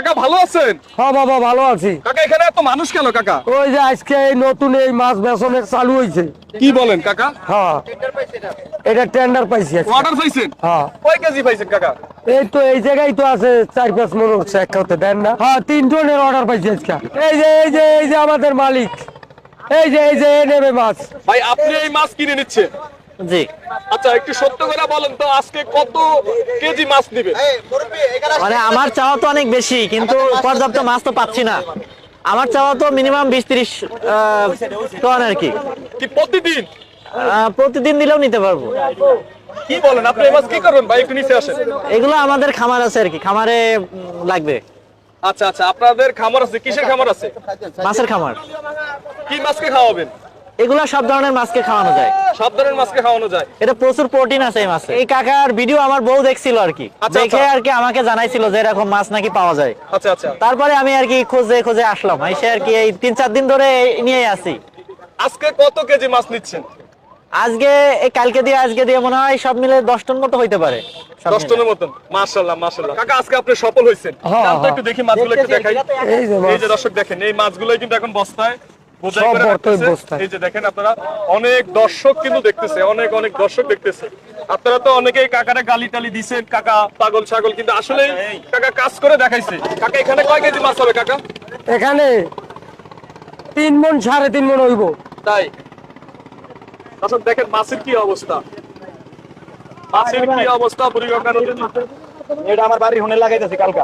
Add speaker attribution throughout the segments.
Speaker 1: কাকা ভালো আছেন?
Speaker 2: হ্যাঁ বাবা ভালো আছি।
Speaker 1: কাকা এখানে এত মানুষ কেন কাকা?
Speaker 2: ওই যে আজকে এই নতুন এই মাছ বেচনের চালু হয়েছে।
Speaker 1: কি বলেন কাকা?
Speaker 2: হ্যাঁ এটা টেন্ডার পাইছি আজকে।
Speaker 1: অর্ডার পাইছেন?
Speaker 2: হ্যাঁ
Speaker 1: কয় কেজি পাইছেন কাকা?
Speaker 2: এই তো এই জায়গায় তো আছে 4-5 মন হচ্ছে এক খাতে দেন না। হ্যাঁ 3 টনের অর্ডার পাইছি আজকে। এই যে আমাদের মালিক এই যে নেবে মাছ।
Speaker 1: ভাই আপনি এই মাছ কিনে নিচ্ছেন?
Speaker 3: জি।
Speaker 1: আচ্ছা একটু সত্য করে বলেন তো আজকে কত কেজি মাছ দিবেন?
Speaker 3: মানে আমার চাওয়া তো অনেক বেশি, কিন্তু পর্যাপ্ত মাছ তো পাচ্ছি না। আমার চাওয়া তো মিনিমাম 20-30 টন আর কি।
Speaker 1: কি প্রতিদিন?
Speaker 3: প্রতিদিন দিলেও নিতে পারবো।
Speaker 1: কি বলেন আপনি এই মাছ কি করবেন ভাই? একটু নিচে আসেন।
Speaker 3: এগুলো আমাদের খামার আছে আর কি, খামারে লাগবে।
Speaker 1: আচ্ছা আচ্ছা আপনাদের খামার আছে? কিসের খামার আছে?
Speaker 3: মাছের খামার।
Speaker 1: কি মাছকে খাওয়াবেন?
Speaker 3: এগুলা সব ধরনের মাছকে খাওয়ানো যায়।
Speaker 1: সব ধরনের মাছকে খাওয়ানো যায়?
Speaker 3: এটা প্রচুর প্রোটিন আছে এই মাছে। এই কাকার ভিডিও আমার বউ দেখছিল আর কি,
Speaker 1: আচ্ছা,
Speaker 3: দেখে
Speaker 1: আচ্ছা।
Speaker 3: আর কি আমাকে জানাইছিল যে এরকম মাছ নাকি পাওয়া যায়।
Speaker 1: আচ্ছা আচ্ছা।
Speaker 3: তারপরে আমি আর কি খোঁজে খোঁজে আসলাম, এসে আর কি এই 3-4 দিন ধরে নিয়ে আসি।
Speaker 1: আজকে কত কেজি মাছ নিচ্ছেন?
Speaker 3: আজকে এই কালকে দিয়ে আজকে দিয়ে মনে হয় সব মিলে 10 টন মতো হইতে পারে।
Speaker 1: 10 টনের মতন। মাশাআল্লাহ মাশাআল্লাহ। কাকা আজকে আপনি সফল হইছেন।
Speaker 2: হ্যাঁ,
Speaker 1: দাম তো একটু দেখি মাছগুলো একটু দেখাই।
Speaker 2: এই যে
Speaker 1: এই
Speaker 2: মাছ।
Speaker 1: যে দর্শক দেখেন এই মাছগুলোই কিন্তু এখন বস্তায় বোঝাই
Speaker 2: সব
Speaker 1: করে
Speaker 2: বর্তমানে
Speaker 1: রাখতেছে।
Speaker 2: বস্তায়।
Speaker 1: এই যে দেখেন আপনারা অনেক দর্শক কিন্তু দেখতেছে, অনেক অনেক দর্শক দেখতেছে। আপনারা তো অনেকেই কাকারে গালি টালি দিছেন, কাকা পাগল ছাগল, কিন্তু আসলে কাকা কাজ করে দেখাইছে। কাকা এখানে কয় কেজি মাছ হবে কাকা?
Speaker 2: এখানে 3 মন 3.5 মন হইব।
Speaker 1: তাই দর্শক দেখেন মাছের কি অবস্থা, মাছের কি অবস্থা বুড়িগঙ্গা নদীতে।
Speaker 4: এটা আমার বাড়ি হুনে লাগাইতেছি কালকা।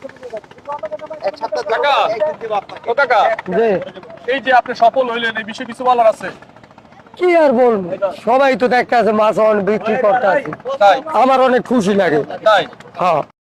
Speaker 1: কাকা ও কাকা
Speaker 2: যে
Speaker 1: এই যে আপনি সফল হইলেন, এই বিষয়ে কিছু বলার আছে?
Speaker 2: কি আর বলবো, সবাই তো দেখতে আছে মাছ অনেক বিক্রি করতে আছে।
Speaker 1: তাই
Speaker 2: আমার অনেক খুশি লাগে।
Speaker 1: তাই
Speaker 2: হ্যাঁ